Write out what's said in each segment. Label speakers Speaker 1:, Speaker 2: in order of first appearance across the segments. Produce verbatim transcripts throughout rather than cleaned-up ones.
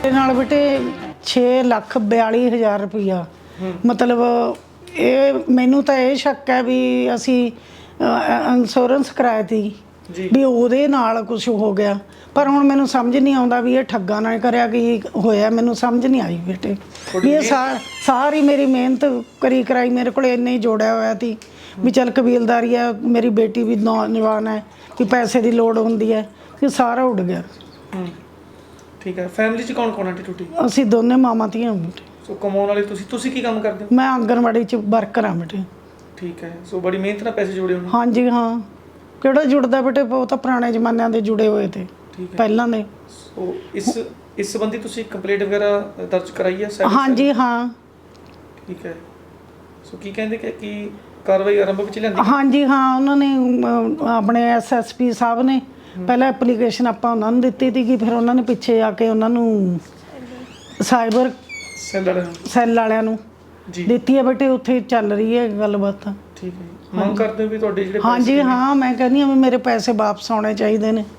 Speaker 1: ਇਹ ਨਾਲ ਬੇਟੇ ਛੇ ਲੱਖ ਬਿਆਲੀ ਹਜ਼ਾਰ ਰੁਪਈਆ ਮਤਲਬ ਇਹ ਮੈਨੂੰ ਤਾਂ ਇਹ ਸ਼ੱਕ ਹੈ ਵੀ ਅਸੀਂ ਇੰਸ਼ੋਰੈਂਸ ਕਰਾਇਆ ਤੀ ਵੀ ਉਹਦੇ ਨਾਲ ਕੁਝ ਹੋ ਗਿਆ, ਪਰ ਹੁਣ ਮੈਨੂੰ ਸਮਝ ਨਹੀਂ ਆਉਂਦਾ ਵੀ ਇਹ ਠੱਗਾ ਨਾਲ ਕਰਿਆ ਕੀ ਹੋਇਆ। ਮੈਨੂੰ ਸਮਝ ਨਹੀਂ ਆਈ ਬੇਟੇ ਵੀ ਇਹ ਸਾਰ ਸਾਰੀ ਮੇਰੀ ਮਿਹਨਤ ਕਰੀ ਕਰਾਈ ਮੇਰੇ ਕੋਲ ਇੰਨੇ ਹੀ ਜੋੜਿਆ ਹੋਇਆ ਸੀ ਵੀ ਚੱਲ ਕਬੀਲਦਾਰੀ ਹੈ, ਮੇਰੀ ਬੇਟੀ ਵੀ ਨੌਜਵਾਨ ਹੈ ਕਿ ਪੈਸੇ ਦੀ ਲੋੜ ਹੁੰਦੀ ਹੈ, ਕਿ ਸਾਰਾ ਉੱਡ ਗਿਆ।
Speaker 2: ਠੀਕ ਹੈ। ਫੈਮਿਲੀ 'ਚ ਕੌਣ ਕੌਣ ਆਂਟੀ ਟੁੱਟੀ?
Speaker 1: ਅਸੀਂ ਦੋਨੇ ਮਾਵਾਂ ਧੀਆਂ ਬੇਟੇ।
Speaker 2: ਸੋ ਕਮਾਉਣ ਵਾਲੇ ਤੁਸੀਂ ਤੁਸੀਂ ਕੀ ਕੰਮ ਕਰਦੇ ਹੋ?
Speaker 1: ਮੈਂ ਆਂਗਣਵਾੜੀ 'ਚ ਵਰਕਰ ਹਾਂ ਬੇਟੇ।
Speaker 2: ਠੀਕ ਹੈ। ਸੋ ਬੜੀ ਮਿਹਨਤ ਨਾਲ ਪੈਸੇ ਜੋੜੇ ਹੋਣੇ।
Speaker 1: ਹਾਂਜੀ ਹਾਂ, ਕਿਹੜਾ ਜੁੜਦਾ ਬੇਟੇ, ਉਹ ਤਾਂ ਪੁਰਾਣੇ ਜ਼ਮਾਨਿਆਂ ਦੇ ਜੁੜੇ ਹੋਏ ਤੇ ਪਹਿਲਾਂ ਦੇ।
Speaker 2: ਸੋ ਇਸ ਇਸ ਸੰਬੰਧੀ ਤੁਸੀਂ ਕੰਪਲੇਂਟ ਵਗੈਰਾ ਦਰਜ ਕਰਾਈ ਹੈ?
Speaker 1: ਹਾਂਜੀ ਹਾਂ।
Speaker 2: ਠੀਕ ਹੈ। ਸੋ ਕੀ ਕਹਿੰਦੇ ਕਿ ਕੀ ਕਾਰਵਾਈ ਆਰੰਭ ਵਿੱਚ ਲਿਆਂਦੀ?
Speaker 1: ਹਾਂਜੀ ਹਾਂ, ਉਹਨਾਂ ਨੇ ਆਪਣੇ ਐਸ ਐਸ ਪੀ ਸਾਹਿਬ ਨੇ ਪਹਿਲਾਂ ਐਪਲੀਕੇਸ਼ਨ ਆਪਾਂ ਉਹਨਾਂ ਨੂੰ ਦਿੱਤੀ ਸੀ, ਫਿਰ ਉਹਨਾਂ ਨੇ ਪਿੱਛੇ ਆ ਕੇ ਉਹਨਾਂ ਨੂੰ ਸਾਈਬਰ
Speaker 2: ਸੈੱਲ ਵਾਲਿਆਂ ਨੂੰ
Speaker 1: ਸੈੱਲ ਵਾਲਿਆਂ ਨੂੰ ਦਿੱਤੀ ਹੈ ਬੇਟੇ। ਉੱਥੇ ਚੱਲ ਰਹੀ ਹੈ ਗੱਲਬਾਤ।
Speaker 2: ਠੀਕ ਹੈ। ਮੰਗ ਕਰਦੇ ਹੋ ਵੀ ਤੁਹਾਡੇ ਜਿਹੜੇ
Speaker 1: ਹਾਂਜੀ ਹਾਂ, ਮੈਂ ਕਹਿੰਦੀ ਹਾਂ ਵੀ ਮੇਰੇ ਪੈਸੇ ਵਾਪਸ ਆਉਣੇ ਚਾਹੀਦੇ ਨੇ।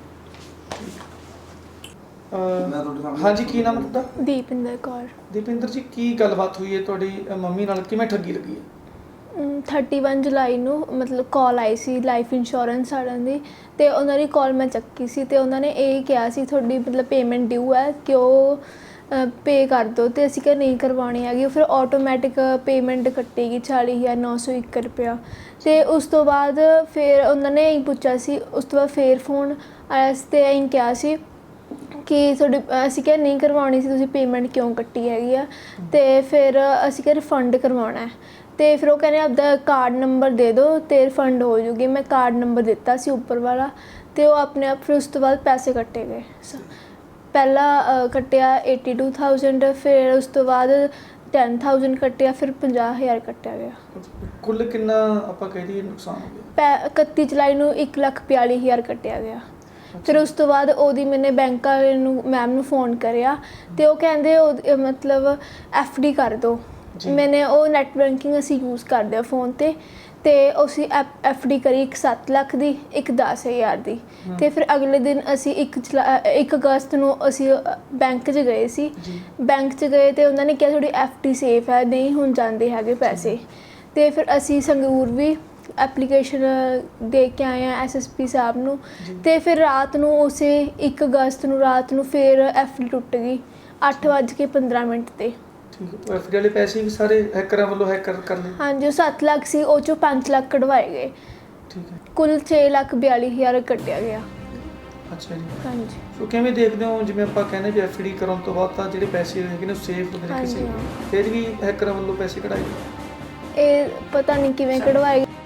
Speaker 2: ਹਾਂਜੀ, ਕੀ ਨਾਮ ਤੁਹਾਡਾ?
Speaker 3: ਦੀਪਿੰਦਰ ਕੌਰ।
Speaker 2: ਦੀਪਿੰਦਰ ਜੀ, ਕੀ ਗੱਲਬਾਤ ਹੋਈ ਹੈ ਤੁਹਾਡੀ ਮੰਮੀ ਨਾਲ, ਕਿਵੇਂ ਠੱਗੀ ਲੱਗੀ ਹੈ?
Speaker 3: ਇਕੱਤੀ ਜੁਲਾਈ ਨੂੰ ਮਤਲਬ ਕਾਲ ਆਈ ਸੀ ਲਾਈਫ ਇੰਸ਼ੋਰੈਂਸ ਵਾਲਿਆਂ ਦੀ, ਅਤੇ ਉਹਨਾਂ ਦੀ ਕਾਲ ਮੈਂ ਚੱਕੀ ਸੀ ਅਤੇ ਉਹਨਾਂ ਨੇ ਇਹ ਕਿਹਾ ਸੀ ਤੁਹਾਡੀ ਮਤਲਬ ਪੇਮੈਂਟ ਡਿਊ ਹੈ ਕਿ ਉਹ ਪੇ ਕਰ ਦਿਓ, ਅਤੇ ਅਸੀਂ ਕਿਹਾ ਨਹੀਂ ਕਰਵਾਉਣੀ ਹੈਗੀ। ਫਿਰ ਆਟੋਮੈਟਿਕ ਪੇਮੈਂਟ ਕੱਟੇਗੀ ਚਾਲੀ ਹਜ਼ਾਰ ਨੌ ਸੌ ਇੱਕ ਰੁਪਇਆ। ਅਤੇ ਉਸ ਤੋਂ ਬਾਅਦ ਫਿਰ ਉਹਨਾਂ ਨੇ ਇਹੀ ਪੁੱਛਿਆ ਸੀ, ਉਸ ਤੋਂ ਬਾਅਦ ਫਿਰ ਫੋਨ ਆਇਆ ਸੀ ਅਤੇ ਇਹੀ ਕਿਹਾ ਸੀ ਕਿ ਤੁਹਾਡੀ ਅਸੀਂ ਕਿਹਾ ਨਹੀਂ ਕਰਵਾਉਣੀ ਸੀ, ਤੁਸੀਂ ਪੇਮੈਂਟ ਕਿਉਂ ਕੱਟੀ ਹੈਗੀ ਆ। ਅਤੇ ਫਿਰ ਅਸੀਂ ਕਿਹਾ ਰਿਫੰਡ ਕਰਵਾਉਣਾ, ਅਤੇ ਫਿਰ ਉਹ ਕਹਿੰਦੇ ਆਪਦਾ ਕਾਰਡ ਨੰਬਰ ਦੇ ਦਿਓ ਅਤੇ ਰਿਫੰਡ ਹੋ ਜੂਗੀ। ਮੈਂ ਕਾਰਡ ਨੰਬਰ ਦਿੱਤਾ ਸੀ ਉੱਪਰ ਵਾਲਾ, ਅਤੇ ਉਹ ਆਪਣੇ ਆਪ ਫਿਰ ਉਸ ਤੋਂ ਬਾਅਦ ਪੈਸੇ ਕੱਟੇ ਗਏ। ਪਹਿਲਾਂ ਕੱਟਿਆ ਏਟੀ ਟੂ ਥਾਊਜੈਂਡ, ਫਿਰ ਉਸ ਤੋਂ ਬਾਅਦ ਟੈਨ ਥਾਊਜੈਂਡ ਕੱਟਿਆ, ਫਿਰ ਪੰਜਾਹ ਹਜ਼ਾਰ ਕੱਟਿਆ ਗਿਆ।
Speaker 2: ਕੁੱਲ ਕਿੰਨਾ ਆਪਾਂ ਕਹਿ ਦਈਏ ਨੁਕਸਾਨ ਹੋ ਗਿਆ?
Speaker 3: ਪੈ ਇਕੱਤੀ ਜੁਲਾਈ ਨੂੰ ਇੱਕ ਲੱਖ ਬਿਆਲੀ ਹਜ਼ਾਰ ਕੱਟਿਆ ਗਿਆ। ਫਿਰ ਉਸ ਤੋਂ ਬਾਅਦ ਉਹਦੀ ਮੈਨੇ ਬੈਂਕ ਵਾਲੇ ਨੂੰ ਮੈਮ ਨੂੰ ਫ਼ੋਨ ਕਰਿਆ, ਅਤੇ ਉਹ ਕਹਿੰਦੇ ਉਹ ਮਤਲਬ ਐਫ ਡੀ ਕਰ ਦਿਓ। ਮੈਨੇ ਉਹ ਨੈੱਟ ਬੈਂਕਿੰਗ ਅਸੀਂ ਯੂਜ਼ ਕਰਦੇ ਹਾਂ ਫ਼ੋਨ 'ਤੇ, ਅਤੇ ਅਸੀਂ ਐਫ ਐਫ ਡੀ ਕਰੀ ਇੱਕ ਸੱਤ ਲੱਖ ਦੀ, ਇੱਕ ਦਸ ਹਜ਼ਾਰ ਦੀ। ਅਤੇ ਫਿਰ ਅਗਲੇ ਦਿਨ ਅਸੀਂ ਇੱਕ ਜੁਲਾ ਇੱਕ ਅਗਸਤ ਨੂੰ ਅਸੀਂ ਬੈਂਕ 'ਚ ਗਏ ਸੀ। ਬੈਂਕ 'ਚ ਗਏ ਅਤੇ ਉਹਨਾਂ ਨੇ ਕਿਹਾ ਤੁਹਾਡੀ ਐਫ ਡੀ ਸੇਫ ਹੈ, ਨਹੀਂ ਹੁਣ ਜਾਂਦੇ ਹੈਗੇ ਪੈਸੇ। ਅਤੇ ਫਿਰ ਅਸੀਂ ਸੰਗਰੂਰ ਵੀ ਐਪਲੀਕੇਸ਼ਨ ਦੇ ਕੇ ਆਏ ਹਾਂ ਐਸ ਐਸ ਪੀ ਸਾਹਿਬ ਨੂੰ, ਅਤੇ ਫਿਰ ਰਾਤ ਨੂੰ ਉਸੇ ਇੱਕ ਅਗਸਤ ਨੂੰ ਰਾਤ ਨੂੰ ਫਿਰ ਐਫ ਡੀ ਟੁੱਟ ਗਈ ਅੱਠ ਵੱਜ ਕੇ ਪੰਦਰਾਂ ਮਿੰਟ 'ਤੇ।
Speaker 2: ਠੀਕ ਹੈ। ਐਫ ਡੀ ਵਾਲੇ ਪੈਸੇ ਵੀ ਸਾਰੇ ਹੈਕਰਾਂ ਵੱਲੋਂ ਹੈਕਰ ਕਰ ਲਏ?
Speaker 3: ਹਾਂਜੀ, ਉਹ ਸੱਤ ਲੱਖ ਸੀ, ਉਹ 'ਚੋਂ ਪੰਜ ਲੱਖ ਕਢਵਾਏ ਗਏ।
Speaker 2: ਠੀਕ ਹੈ।
Speaker 3: ਕੁੱਲ ਛੇ ਲੱਖ ਬਿਆਲੀ ਹਜ਼ਾਰ ਕੱਟਿਆ ਗਿਆ।
Speaker 2: ਅੱਛਾ ਜੀ।
Speaker 3: ਹਾਂਜੀ।
Speaker 2: ਸੋ ਕਿਵੇਂ ਦੇਖਦੇ ਹੋ, ਜਿਵੇਂ ਆਪਾਂ ਕਹਿੰਦੇ ਵੀ ਐਫ ਡੀ ਕਰਾਉਣ ਤੋਂ ਬਾਅਦ ਤਾਂ ਜਿਹੜੇ ਪੈਸੇ ਹੈਗੇ ਨੇ ਸੇਫ ਹੁੰਦੇ ਨੇ ਕਿਸੇ, ਫਿਰ ਵੀ ਹੈਕਰਾਂ ਵੱਲੋਂ ਪੈਸੇ ਕਢਾਏ?
Speaker 3: ਇਹ ਪਤਾ ਨਹੀਂ ਕਿਵੇਂ ਕਢਵਾਏ ਗਏ।